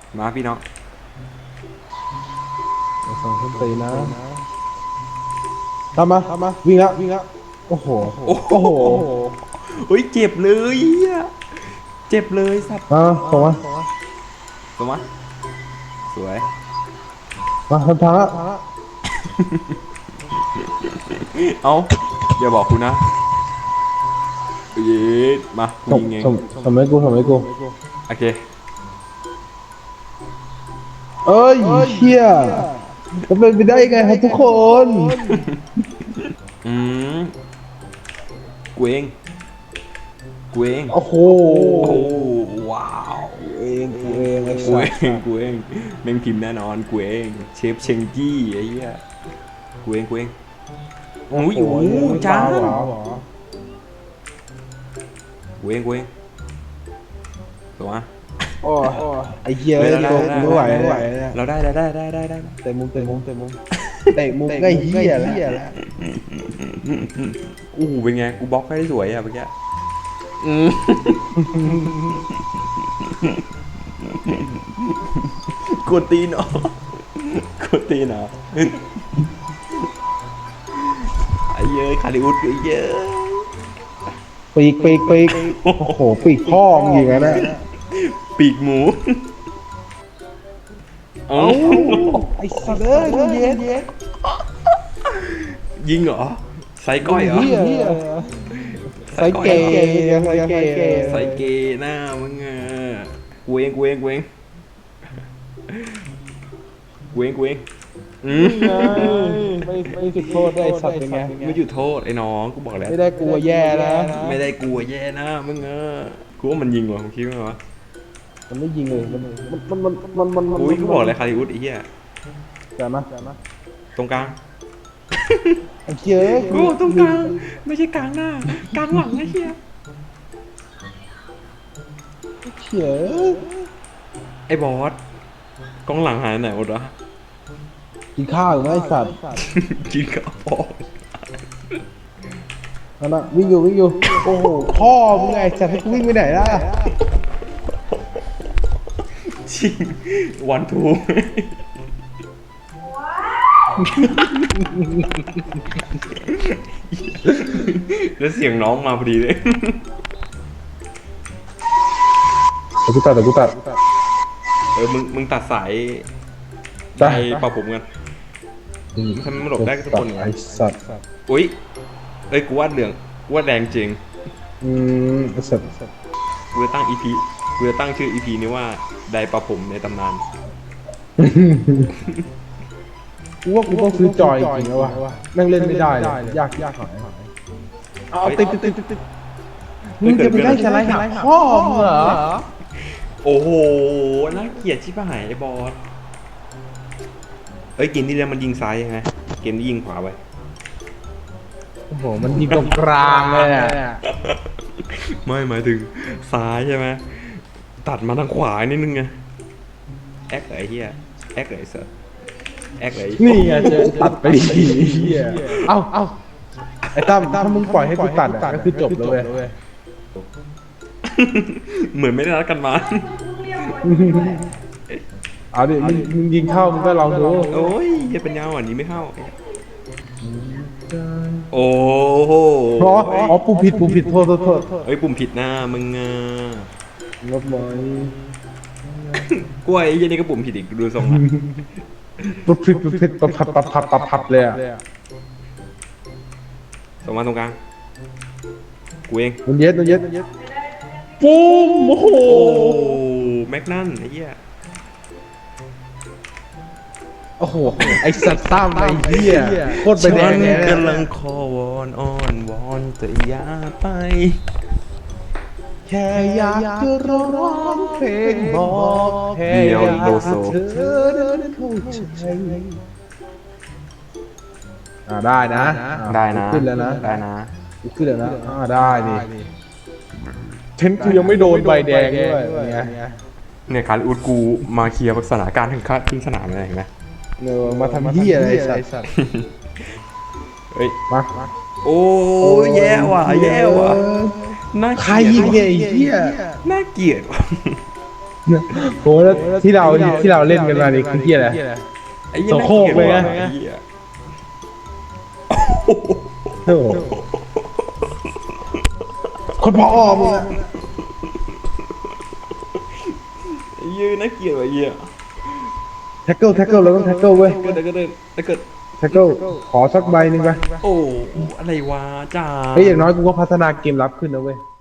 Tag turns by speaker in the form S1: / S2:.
S1: มาพี่น้อง
S2: สองคนตีนะทำมาวิ่งละโอ้โห
S1: เฮ้ยเจ็บเลยเจ็บเลยสัตว์
S2: ส่งมา
S1: ส่งมาสวย
S2: มาทำทางละ
S1: เอาอย่าบอกคุณนะเย็ดมายิงเอง
S2: ทำไมกู
S1: โอเค
S2: เอ้ยเชี่ยจะเป็นไปได้ยังไงครับทุกคน
S1: กูเอง
S2: โอ้โห
S1: ว้าว
S2: กูเอง
S1: แม่งพิมพ์แน่นอนกูเองเชฟเชงกี้ไอ้เหี้ยกูเองโอ้ยจ้ากูเองตัว
S2: โอ้ไอ้เหี้ยไม่ไหว
S1: เราได้
S2: เตะมุมเตะมุมใกล้เหี้ยแล้ว
S1: เป็นไงกูบล็อกให้สวยอ่ะเมื่อกี้กดตีนเหรอไอ้เย้ยคาริอุสไอ้เย้ย
S2: ปีกโอ้โหปีกพ่อมึงยิงนะ
S1: ปีกหมู
S2: ไอ้สัตว์เอ้ยเย็น
S1: ยิงเหรอใส่ก้อยเหรอ
S2: ใส่เก
S1: หน้ามึงอ่ะกูเอง
S2: ไม่จุดโทษได้สัตว์เป็นไง
S1: ไม่หยุดโทษไอ้น้องกูบอกแล้ว
S2: ไม่ได้กลัวแย่นะ
S1: มึงกูว่ามันยิงว่ะผมคิดว่า
S2: มันไม่ยิงเลยมัน
S1: อุ้ยกูบอกเลยคาริอุสไอ้เหี้ย
S2: จัดมา
S1: ตรงกลาง
S2: ไอ้เหี้ย
S1: กูตรงกลางไม่ใช่กลางหน้ากลางหลังไอ้เหี้ยไอ้บอสกองหลังหายไหนหมดวะ
S2: กินข้าวอยู่ไหมไอ้สัตว์
S1: กินข้าวพอ
S2: นั่นน่ะวิ่งอยู่โอ้โหพ่อมึงไงจะให้กูวิ่งไปไหนล่ะ
S1: ชิงวันทูแล้วเสียงน้องมาพอดีเลย
S2: แต่กูตัด
S1: มึงตัดสายใจปะผมกันทำไมมันหลบได้ทุกคน
S2: ไอ้สัตว์
S1: อุ้ยกูวาดเหลืองวาดแดงจริง
S2: ไอ้สัตว์
S1: กูจะตั้งชื่อ EP นี้ว่าไดปะผมในตำนาน
S2: กูว่ากูต้องซื้อจอยจริงแล้ววะแม่งเล่นไม่ได้เลยยากหายเอาติดมึงจะไปได้สไลด์หาพ่อมึงเหรอ
S1: โอ้โหน่าเกลียดชิบหายไอ้บอสเกมนี้แล้วมันยิงซ้ายยังไงเกมนี้ยิงขวาไป
S2: โอ้โหมันยิงตรงกลางเลยอ่ะ
S1: ไม่หมายถึงซ้ายใช่ไหมตัดมาทางขวานิดนึงไงแอคไอ้เหี้ยแอคไอ้สัสแอคไอ้
S2: นี่ไงเจอตัดไปดีเหี้ยเอ้าไอ้ตั้มถ้ามึงปล่อยให้กูตัดก็คือจบเลย
S1: เหมือนไม่ได้นัดกันมา
S2: เอาดิมึงยิงเข้ามึงก็ลองดู
S1: โอ้ยจะเป็นยาวอ่ะนี้ไม่เข้าโอ้โห
S2: ปุ่มผิดโทษ
S1: ปุ่มผิดหน้ามึง
S2: ลบเลย
S1: กล้วยไอ้ยันนี่ก็ปุ่มผิดอีกดูทรงนะ
S2: ปุ่มผิดปับเลยอ่ะ
S1: ส่งมาตรงกลางกูเอง
S2: มันเย็ดปุ้มโอ้โห
S1: แม็กนั่นไอ้เหี้ย
S2: โอ้โหไอ้สัตว์ตั้มไอ้เหี้ยโคตรไปแดงเนี่ย
S1: กำลังคอวอนอ้อนวอนแต่อย่าไป
S2: แค่อยากจะร้องเพลงบอกแค่อยากเธอนั้นเข้าใจได้นะขึ้นแล้วนะ
S1: ได้นะ
S2: ขึ้นแล้วนะได้ดิเทนกูยังไม่โดนใบแดงด้วย
S1: เนี่ยคาริอุสกูมาเคลียร์สถานการณ์ถึงสนามอะไรเห็นไหม
S2: มาทำเหี้ยอะไรสัตว์
S1: เฮ้ยมาโอ้แย่ว่ะน่า
S2: ใครยิงไอ้เหี้ย
S1: น่าเกลียด
S2: โหแล้วที่เราเล่นกันมานี่คือที่อะไร
S1: ไอ้เหี้ย
S2: โสโครกเลยนะ
S1: ไอ้เหี้ย
S2: โอ้โหคนพอมึงอะ
S1: ไอ้เหี้ยน่าเกลียดว่ะไอ้เหี้ย
S2: แท็กเกิลเราต้องแท็กเกิลเว้ย
S1: ถ้าเกิด
S2: แท็กเกิลขอสักใบหนึ่งไป
S1: โอ้อะไรวะจ้า
S2: เฮ้ยอย่างน้อยกูก็พัฒนาเกมรับขึ้นนะเว้ย